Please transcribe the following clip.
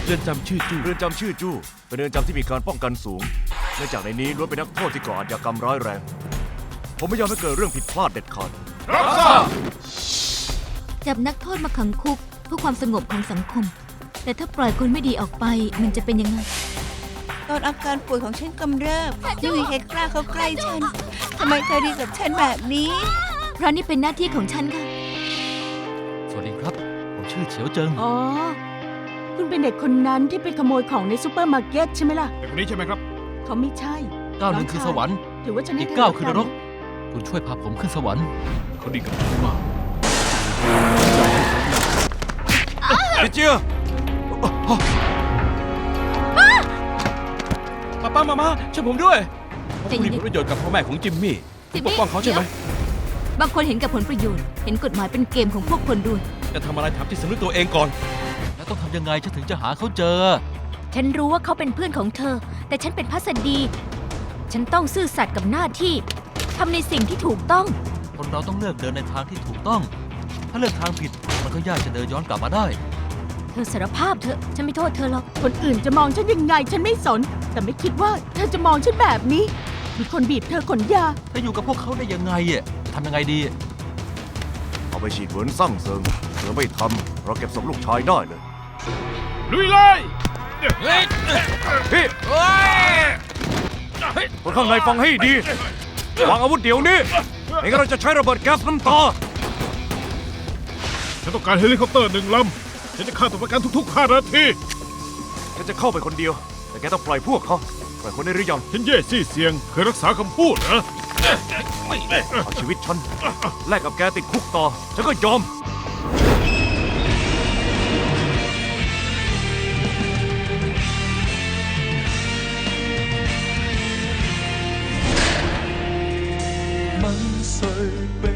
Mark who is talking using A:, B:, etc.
A: เรือนจำชื่อจู้
B: เรือนจำชื่อจู้เป็นเรือนจำที่มีการป้องกันสูงเนื่องจากในนี้ล้วนเป็นนักโทษที่ก่ออาชญากรรมร้ายแรงผมไม่ยอมให้เกิดเรื่องผิดพลาดเด็ดขาด
C: จับนักโทษมาขังคุกเพื่อความสงบของสังคม แต่ถ้าปล่อยคนไม่ดีออกไปมันจะเป็นยังไง
D: ตอนอาการป่วยของฉันกำเริบไม่มีใครกล้าเข้าใกล้ฉันทำไมเธอดีกับฉันแบบนี้
C: เพราะนี่เป็นหน้าที่ของฉันค่ะ
A: สวัสดีครับ ผมชื่อเฉียวเจิง
E: อ๋อ คุณเป็นเด็กคนนั้นที่ไปขโมยของในซูเปอร์มาร์เก็ตใช่ไหมล่ะ
F: เด็กคนนี้ใช่ไหมครับ
E: เขาไม่ใช่
A: ก้าวหนึ่งคือสวรรค์
E: ถือว่าฉันให้
A: อีก
E: เธ
A: ก้าวคือน
E: แล้ว
A: รก คุณช่วยพาผมขึ้นสวรรค์
F: เขาดีกับผมมาก
B: ดิเจีย
A: ป้ามาช่วยผมด้วยผม
C: ใจเย็
A: มี
C: นๆ
A: ผลประโยชน์กับพ่อแม่ของจิมมี่
C: จิม
A: ป
C: มี่
A: กป้องเขาใช่ไหม
C: บางคนเห็นกับผลประโยชน์ เห็นกฎหมายเป็นเกมของพวกคนรวย
A: จะทำอะไรทำที่สำนึกตัวเองก่อน แล้วต้องทำยังไงฉันถึงจะหาเขาเจอ
C: ฉันรู้ว่าเขาเป็นเพื่อนของเธอ แต่ฉันเป็นพัสดี ฉันต้องซื่อสัตย์กับหน้าที่ทำในสิ่งที่ถูกต้อง
A: คนเราต้องเลือกเดินในทางที่ถูกต้อง ถ้าเลือกทางผิดมันก็ยากจะเดินย้อนกลับมาได้
C: เธอสารภาพเถอะ ฉันไม่โทษเธอหรอก
E: คนอื่นจะมองฉันยังไงฉันไม่สน แต่ไม่คิดว่าเธอจะมองฉันแบบนี้ มีคนบีบเธอขนยา
A: ถ้าอยู่กับพวกเขาได้ยังไงอ่ะทำยังไงดี
B: เอาไปฉีดเหมือนสั่งเซิงเธอไม่ทำเราเก็บศพลูกชายได้เลย
F: ลุยเลย
B: พี่คนข้างในฟังให้ดีวางอาวุธเดี๋ยวนี้ไม่งั้นเราจะใช้ระเบิดแก๊สน้ำตา
F: ฉันต้องการเฮลิคอปเตอร์1 ลำ ฉันจะฆ่าตัวประกันทุกๆ5 นาที
B: ฉันจะเข้าไปคนเดียว แต่แกต้องปล่อยพวกเขาปล่อยคนได้หรือยัง
F: ฉันเย่ซี่เสียง เคยรักษาคำพูดนะ
B: เอาชีวิตฉันแลกกับแกติดคุกต่อฉันก็ยอม
G: 問誰被